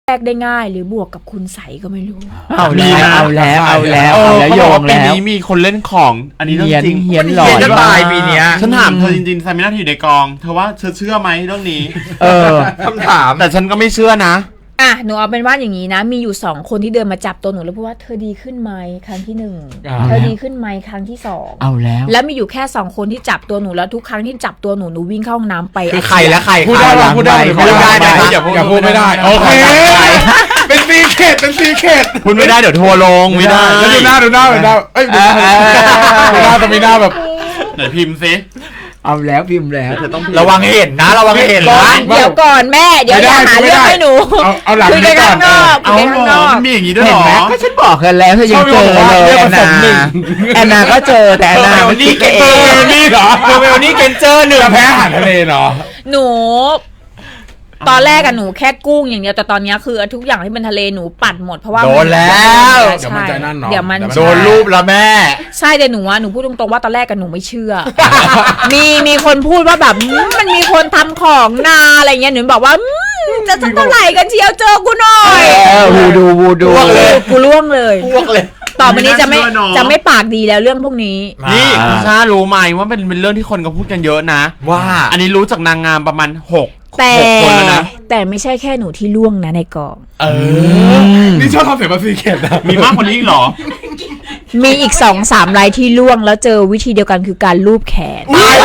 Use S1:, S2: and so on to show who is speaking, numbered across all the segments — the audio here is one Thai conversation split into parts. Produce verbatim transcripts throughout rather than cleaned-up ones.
S1: แรกได้ง่ายหรือบวกกับคุณใสก็ไม่รู้
S2: เอาแล้วเอาแล้วเอาแล้วเอาแล้วโยงแล้ว
S3: ปีนี้มีคนเล่นของอันนี้เรื่องจริง
S2: เฮียนหลอน
S4: จะตายปีนี้
S3: ฉันถามเธอจริงๆไซมินาทีในกองเธอว่าเธอเชื่อไหมเรื่องนี้
S2: เออ
S4: คำถาม
S3: แต่ฉันก็ไม่เชื่อนะ
S1: อ่ะหนูเอาเป็นว่าอย่างนี้นะมีอยู่สองคนที่เดินมาจับตัวหนูแล้วพูดว่าเธอดีขึ้นไหมครั้งที่หนึ่งเธอดีขึ้นไหมครั้งที่สอง
S2: เอาแล้ว
S1: แล้วมีอยู่แค่สองคนที่จับตัวหนูแล้วทุกครั้งที่จับตัวหนูหนูวิ่งเข้าห้องน้ำไป
S4: คือใครและใคร
S2: พูดได้พูดได้
S4: พูดได้อย่าพูดอย่าพูดไม่ได้โอเคเป็นซีเคทเป็นซีเคท
S3: พูดไม่ได้เดี๋ยวทัวร์ลงไม่ได้
S4: แล้วดูหน้าดูหน้าดูหน้าเอ้ยดูหน้าแต่มีหน้าแบบ
S3: ไหนพิมพ์ซิ
S2: เอาแล้วพิมพ์แล้ว
S4: ระวังเห็นนะระวังเห็นนะ
S1: เดี๋ยวก่อนแม่เดี๋ยวอย่าหาเรื่องให้หนู
S4: เอาเอาหลังนี้ก่อน
S3: เอาหรอมันมีอย่างนี้ด้วยหรอ
S2: ก็ฉันบอกกันแล้วเธอยังเจอเลยแอนนาแอนนาก็เจอแต่แอนนาไม่
S4: นี่เกนเจอร์นี่เหรอเวลนี่เกนเจอร์หนึ่งแพ้อาหารทะเลเหรอ
S1: หนูตอนแรกอะหนูแค่กุ้งอย่างเดียวแต่ตอนนี้คือทุกอย่างที่เป็นทะเลหนูปัดหมดเพราะว่า
S4: โดนแล้ว
S1: เดี๋ยวมันจะนั่นเนาะเดี๋ยวมัน
S4: โดนรูปแล้วแม่
S1: ใช่แต่หนูว่าหนูพูดตรงๆว่าตอนแรกกันหนูไม่เชื่อมีมีคนพูดว่าแบบมันมีคนทำของนาอะไรเงี้ยหนูบอกว่าจะสักเท่าไหร่กันเชียวเจอกูหน่อย
S2: วูดูวูดู
S1: เลยกูล่วงเลย
S4: ล่วงเลย
S1: ต่อไปนี้จะไม่จะไม่ปากดีแล้วเรื่องพวกนี้
S3: นี่ชารู้ไหมว่าเป็นเป็นเรื่องที่คนก็พูดกันเยอะนะ
S4: ว่า
S3: อันนี้รู้จากนางงามประมาณหก
S1: แต่แต่ไม่ใช่แค่หนูที่ล่วงนะในกอง
S4: เออนี่ชอบทำเสียงแบบซีเคทนะ
S3: มีมากกว่านี้อีกหรอ
S1: มีอีกสองสามรายที่ล่วงแล้วเจอวิธีเดียวกันคือการลูบแขน
S4: ตาย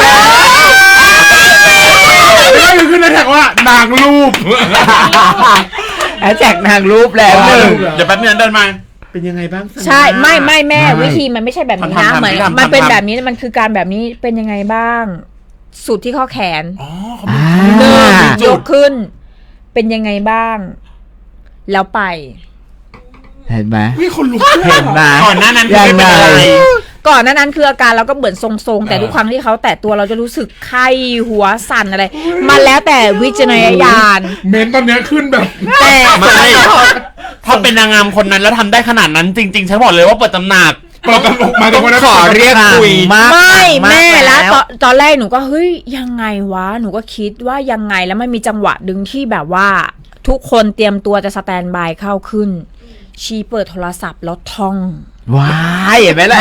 S4: แล้วนี่คือในแท็กว่านางรูป
S2: แอดแท็กนางรูปแล้วหนึ่ง
S3: เดี๋ยวแป๊บนึงเดินมาเป็นยังไงบ้าง
S1: ใช่ไม่ไม่แม่วิธีมันไม่ใช่แบบนี้นะเหมือนมันเป็นแบบนี้มันคือการแบบนี้เป็นยังไงบ้างสุดที่ข้อแขนเดินยกขึ้นเป็นยังไงบ้างแล้วไป
S2: เห็นไหม
S4: มีคนลุก
S2: เห็นไหม
S3: ก่อนหน้านั้นคือไม่เป็นอะไร
S1: ก่อนหน้านั้นคืออาการเราก็เหมือนทรงๆแต่ทุกครั้งที่เขาแตะตัวเราจะรู้สึกไข้หัวสั่นอะไรมันแล้วแต่วิจารณญาณ
S4: เมนตอนนี้ขึ้นแบบ
S1: แต่
S3: ไม่ถ้าเป็นนางงามคนนั้นแล้วทำได้ขนาดนั้นจริงๆฉันบอกเลยว่าเปิดตำหนัก
S4: เปิดตำหนักมาตรงนั้น
S3: ขอเรียกคุย
S1: ไม่แม่แล้วตอนแรกหนูก็เฮ้ยยังไงวะหนูก็คิดว่ายังไงแล้วมันมีจังหวะดึงที่แบบว่าทุกคนเตรียมตัวจะสแตนบายเข้าขึ้นชีเปิดโทรศัพท์แล้วท่อง
S2: ว้ายเห็นไหมล่ะ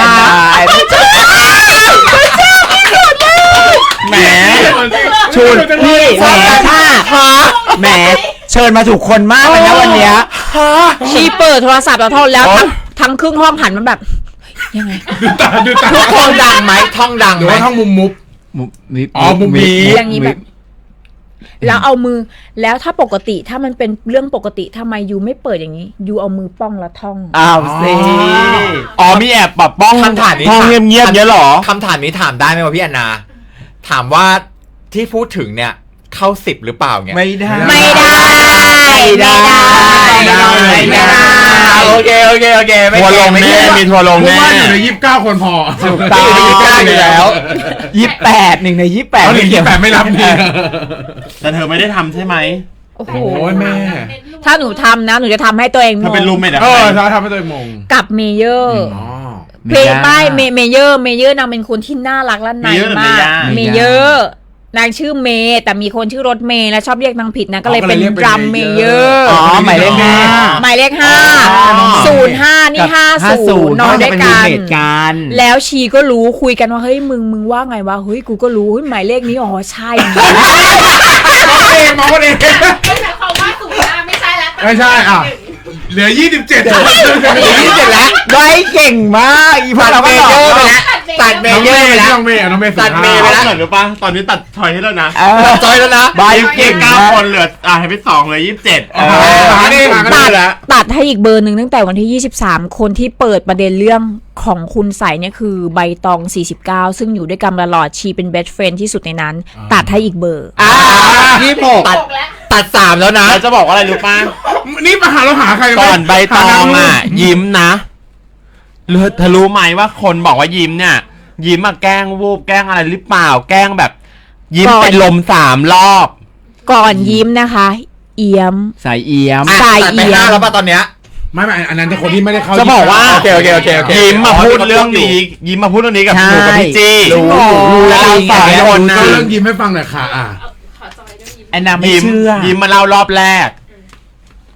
S2: แหมชูนพี่แหมท่าแหมเชิญมาถูกคนมากเลยนะวันนี้
S1: ชีเปิดโทรศัพท์แล้วท่องแล้วทั้งครึ่งห้องหันมันแบบยังไง
S4: ทุกคนดังไหมท่องดังไหมท่องมุมมุบอ๋อมุมมี
S1: อย่างนี้แบบแล้วเอามือแล้วถ้าปกติถ้ามันเป็นเรื่องปกติทำไมยูไม่เปิดอย่างนี้ยูเอามือป้องแล้วท่อง
S2: อ้าวสิ
S3: อ๋อมีแอบแบบป้อง
S4: คำถามนี้
S3: ท่องเงียบๆเนี้ยหรอ
S4: คำถามนี้ถามได้ไหมวะพี่แอนนาถามว่าที่พูดถึงเนี่ยเข้าสิบหรือเปล่าเนี่ย
S2: ไม่ได้
S1: ไม่ได้
S2: ไม่ได้
S4: ไม่ได้โอเคโอเคโอเค
S3: ทัวร์ลงแน่มีทัวร์ลงแน่
S4: อยู่ในยี่สิบเก้าคนพอ
S2: ถูกต้องยี่สิบเก้าอยู่แล้วยี่สิบแปดหนึ่งในยี่สิบแปด
S4: หนึ่งยี่สิบแปดไม่รับนี่
S3: แต่เธอไม่ได้ทำใช่ไหม
S1: โอ้โห
S4: แม่
S1: ถ้าหนูทำนะหนูจะทำให้ตัวเอง
S3: มงเธอเป็นรูมเมท
S4: เออถ้าทำให้ตัวเองมง
S1: กับเมเยอร์เพลงไม่เมเมเยอร์เมเยอร์นางเป็นคนที่น่ารักและนายมากเมเยอร์นางชื่อเมย์แต่มีคนชื่อรถเมย์และชอบเรียกนางผิดนะก็เลยเป็นดรัมเมเยอร์
S2: อ๋อหมายเลขห้า
S1: หมายเลขห้าศูนย์ห้านี่ห้าศูนย์นอนด้วยกันแล้วชีก็รู้คุยกันว่าเฮ้ยมึงมึงว่าไงวะเฮ้ยกูก็รู้เฮ้ยหมายเลขนี้อ๋อใช่
S4: เองมาคนเอง
S5: ไม่ใช่เขาว่าศูนย์ห้าไม่ใช่แล้ว
S4: ไม่ใช่อ่ะเหลือยี่สิบเจ็ด
S2: เหลือยี่สิบเจ็ดแล้วได้เก่งมากอีพันเราก็ต่อไปแล้วตัดเมย์เยอะไปแล้ว
S4: น้องเมย์น้องเมย์
S3: ตัดเมย์ไปแล้วหรือปะตอนนี้ตัดทอยให้แล้วนะ
S4: ตัดทอยแล้วนะ
S3: บายเก่งเก้าคนเหลืออ่ะให้ไปสองเลยยี่สิบเจ็ด
S1: ตัดตัดให้อีกเบอร์หนึ่งตั้งแต่วันที่ยี่สิบสามคนที่เปิดประเด็นเรื่องของคุณใสเนี่ยคือใบตองสี่สิบเก้าซึ่งอยู่ด้วยกันตลอดชีเป็นเบสเฟรนด์ที่สุดในนั้นตัดให้อีกเบอร์
S2: อ่ายี่สิบหก
S4: ตัดตัดสามแล้วนะ
S3: จะบอกว่าอะไรรู้ป่ะ
S4: นี่มาหาเราหาใคร
S3: ก่อนใบตองอ่ะยิ้มนะเธอรู้ไหมว่าคนบอกว่ายิ้มเนี่ยยิ้มมาแกล้งวูบแกล้งอะไรหรือเปล่าแกล้งแบบยิ้มเป็นลมสามรอบ
S1: ก่อนยิ้มนะคะเอี้ยม
S2: สายเอี้ยม
S1: สายเอี้ยม
S4: แล้วป่ะตอนเนี้ยไม่ไม่อันนั้นจะคนที่ไม่ได้เข้า
S3: จะบอกว่า
S4: โอเคโอเคโอเคโอเค
S3: ยิ้มมาพูดเรื่องนี้ยิ้มมาพูดเรื่องนี้กับหนูกับพี่จี้
S2: รู้รู้
S3: แล้วเราสองคนนะ
S4: เรื่องยิ้มให้ฟังหน่อยค่ะอ่ะ
S2: แอนนาไม่เชื่อ
S3: ยิ้มมาเล่ารอบแรก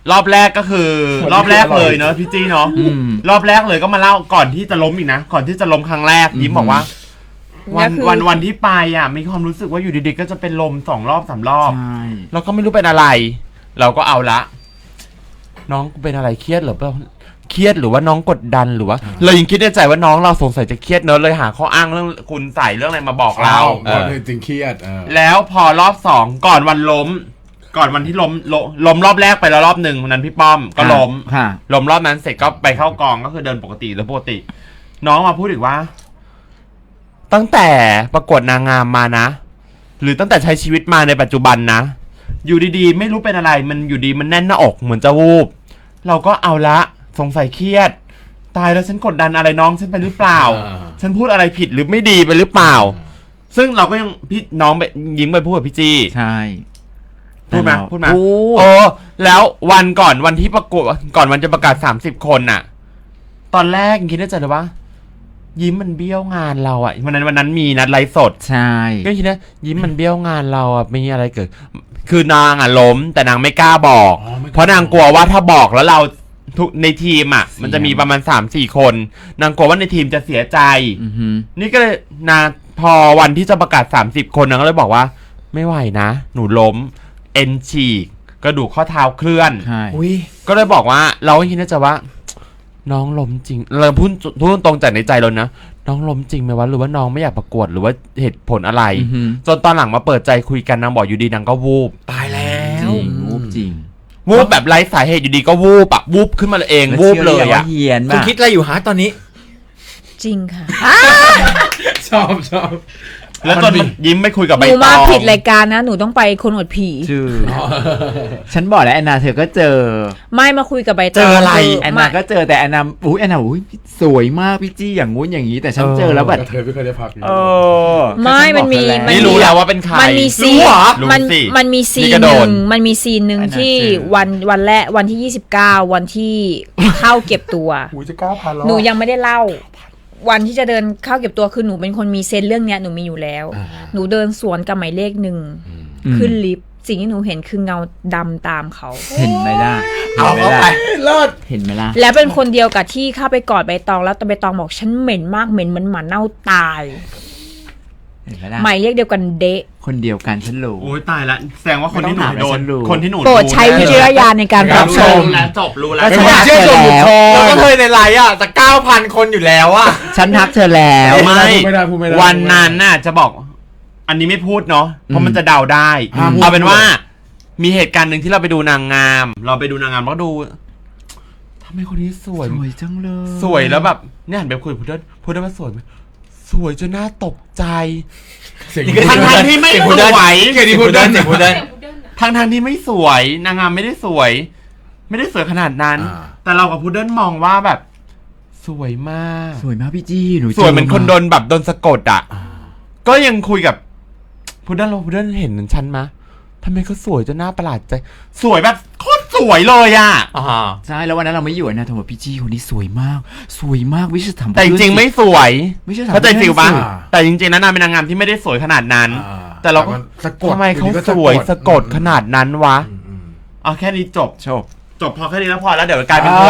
S3: รอบแรกก็คือ รอบแรกเลยเนอะพี่จี้เนาะ
S2: อืม
S3: รอบแรกเลยก็มาเล่าก่อนที่จะล้มอีกนะก่อนที่จะล้มครั้งแรก
S2: อืม
S3: ยิ้มบอกว่า วัน
S1: ก็คือ
S3: วันวันที่ไปอ่ะมีความรู้สึกว่าอยู่ดีๆก็จะเป็นลมสองรอบสามรอบ
S2: ใช่
S3: เราก็ไม่รู้เป็นอะไร เราก็เอาละ น้องเป็นอะไรเครียดหรือเปล่าเครียดหรือว่าน้องกดดันหรือว่าเรายังคิดในใจว่าน้องเราสงสัยจะเครียดเนอะเลยหาข้ออ้างเรื่องคุณใส่เรื่องอะไรมาบอกเรา
S6: เออจริงเครียดเออ
S3: แล้วพอรอบสองก่อนวันล้ม ก่อนวันที่ล้มล้มล้มรอบแรกไปแล้วรอบหนึ่งวันนั้นพี่ป้อมก็ล้ม
S2: ค่ะ
S3: ล้มรอบนั้นเสร็จก็ไปเข้ากองก็คือเดินปกติแล้วปกติ น้องมาพูดอีกว่า ตั้งแต่ประกวดนางงามมานะ หรือตั้งแต่ใช้ชีวิตมาในปัจจุบันนะ อยู่ดีๆ ไม่รู้เป็นอะไร มันอยู่ดีมันแน่นหน้าอกเหมือนจะวูบ เราก็เอาละสงสัยเครียด ตายแล้วฉันกดดันอะไรน้องฉันไปหรือเปล่า
S6: อ่า
S3: ฉันพูดอะไรผิดหรือไม่ดีไปหรือเปล่า ซึ่งเราก็ยังพี่น้องไปยิ้มไปพูดกับพี่จี
S2: ใช่
S3: พูดไหม
S2: แต่เรา
S3: พูดไหม
S2: พูด
S3: โอ้แล้ววันก่อนวันที่ประกวดก่อนวันจะประกาศสามสิบคนน่ะ ตอนแรกยังคิดในใจเลยว่า ยิ้มมันเบี้ยวงานเราอ่ะวันนั้นวันนั้นมีนัดไลฟ์สด
S2: ใช่
S3: ก็คิดนะยิ้มมันเบี้ยวงานเราอ่ะไม่มีอะไรเกิด คือนางอ่ะล้ม แต่นางไม่กล้าบอก
S6: อ๋อไม่กล้า
S3: เพราะนางกลัวว่าถ้าบอกแล้วเราทุกในทีมอ่ะ มันจะมีประมาณสามสี่คน นางกลัวว่าในทีมจะเสียใจ
S2: อือหือ
S3: นี่ก็เลยนางพอวันที่จะประกาศสามสิบคนนางก็เลยบอกว่า ไม่ไหวนะ หนูล้ม เอ็นฉีกกระดูกข้อเท้าเคลื่อน
S2: ใช่
S4: อุ้ย
S3: ก็เลยบอกว่าเราก็คิดในใจว่า น้องล้มจริง เราพูดพูดตรงจากในใจเรานะ น้องล้มจริงไหมวะหรือว่าน้องไม่อยากประกวดหรือว่าเหตุผลอะไร
S2: อือหือ
S3: จนตอนหลังมาเปิดใจคุยกันนางบอกอยู่ดีนางก็วูบ
S4: ตายแล้ว
S2: จริงวูบจริง
S3: วูบแบบไร้สาเหตุอยู่ดีก็วูบอะวูบขึ้นมาเองวูบเลย
S2: แวชื่หรืว่า
S3: อะ
S2: เฮียน
S4: คุณ
S2: มาก
S4: คิดอะไรอยู่ฮะตอนนี้
S1: จริงค่ะ
S6: ชอบชอบ
S3: แล้วจนมันยิ้มไม่คุยกับ
S1: ห
S3: ใบ
S1: นู
S3: ต
S1: มา
S3: อง
S1: ผิดรายการนะ หนูต้องไปคนอวดผี
S2: ชื่อ ฉันบอกแล้วแอนนาเธอก็เจอ
S1: ไม่มาคุยกับใบตอง
S4: เจออะไร
S1: คื
S2: แอน
S1: มา
S2: นาก็เจอแต่แอนนาอุ้ยแอนนาอุ้ยสวยมากพี่จี้อย่างงู้นอย่างนี้ แต่ฉันเจอแล้วแบบ
S6: กระเทยไม่เคยได้พักเลย
S2: เออ
S1: ไม่มันมี
S2: ฉั
S1: มัน
S3: นี่
S1: มี
S3: รู้แล้วว่าเป็นใคร
S1: มันมีซีน
S3: รู้เหรอ
S1: มัน
S3: รู้สิ
S1: มันมีซี
S3: นี่
S1: น
S3: ก็
S1: ห
S3: โด
S1: นึ่
S3: น
S1: งมันมีซีนหนึ่ง
S2: อันนั้น
S1: ที่
S2: เจอ
S1: วันวันแรกวันที่ยี่สิบเก้าวันที่ เข้าเก็บตัว
S6: อุ้ยจะเก้าพันแล้ว
S1: หนูยังไม่ได้เล่า วันที่จะเดินเข้าเก็บตัวคือหนูเป็นคนมีเซนส์เรื่องเนี้ยหนูมีอยู่แล้ว
S6: อ่า
S1: หนูเดินสวนกับหมายเลขหนึ่ง
S2: อืม
S1: ขึ้นลิฟต์สิ่งที่หนูเห็นคือเงาดำตามเขา
S2: เห็นไหมล่ะ
S4: เอา
S2: เห็นไหม
S4: เข้าไป
S2: ล่ะ
S6: เลิศ
S2: เห็นไหมล่ะ
S1: และเป็นคนเดียวกับที่เข้าไปกอดใบตองแล้วแต่ใบตองบอกฉันเหม็นมากเหม็นเหมือนหมาเน่าตาย
S2: เห็นไหมล่ะ
S1: หมายเลขเดียวกันเดะ
S2: คนเดียวกันฉันรู้
S3: โอ้ยตายละแสดงว่าคนที่หนู
S2: ไม่ต้องถาม
S3: โดน
S2: ฉันรู้
S3: คนที่หนู
S1: โปรดใช้วิจารณญาณในการรับชม
S3: รู้แล้วจบรู้แล้ว
S2: ก็
S4: ไม่
S2: ฉัน
S4: อยากเชื่อส่วนบุคคล
S2: แล้
S4: แล้ว
S2: ว
S4: ก็เคยในไลน์อ่ะจะเก้าพันคนอยู่แล้วอ่ะ
S2: ฉันทักเธอแล้ว
S3: ไม่
S6: ไม่ได้พูดไม่ได้
S3: วันนั้นน่ะจะบอก อันนี้ไม่พูดเนาะเพราะมันจะเดาได้
S6: ห้ามพูด
S3: เอาเป็นว่า มีเหตุการณ์หนึ่งที่เราไปดูนางงาม เราไปดูนางงามแล้วก็ดูทำไมคนนี้สวย
S2: สวยจังเลย
S3: สวยแล้วแบบเนี่ยหันไปคุยกับพุดเดิ้ลพุดเดิ้ลว่าสวยไหมสวยจนน่าตกใจ
S6: เสียง
S3: ทั้งทางๆที่ไม่
S4: เสียง
S3: ส
S4: พุดเดิ้ล
S3: วย
S4: เสียงพุดเดิ้ลเสียงพุดเดิ้ล
S3: ทั้งทางๆที่ไม่สวย นางงามไม่ได้สวย ไม่ได้สวยขนาดนั้น
S6: อ่า
S3: แต่เรากับพุดเดิ้ลมองว่าแบบ สวยมาก
S2: สวยมากพี่จี้หนู
S3: สวยเหมือน
S2: จ
S3: คนโดนแบบโดนสะกดอ่ะ ก็ยังคุยกับพุดเดิ้ลเราพุดเดิ้ลเห็นฉันมะทำไมเขาสวยจนน่าประหลาดใจ สวยแบบโคตรสวยเลยอ่ะ
S4: อ่า
S2: ใช่แล้ววันนั้นเราไม่อยู่นะโทรมาพี่จี้คนนี้สวยมาก สวยมากวิชาถาม
S3: แต่จริงๆไม่สวย
S2: ไม่ใช่ถาม
S3: เข้าใจฟิลปะ
S2: เรื่องสิ
S3: แต่จริงๆแล้วนางเป็นนางงามที่ไม่ได้สวยขนาดนั้น
S6: อ่า
S3: แต่เราก็
S6: มันสะกด
S3: ทำไมเขา
S6: อยู่ดีก็
S3: สวยสะกด
S6: อืม
S3: ขนาดนั้นวะ
S6: อืมอืม
S3: เอาแค่นี้จบ
S2: โชค
S3: จบพอแค่นี้แล้วพอแล้วเดี๋ยวกลายเป็น
S6: อ่า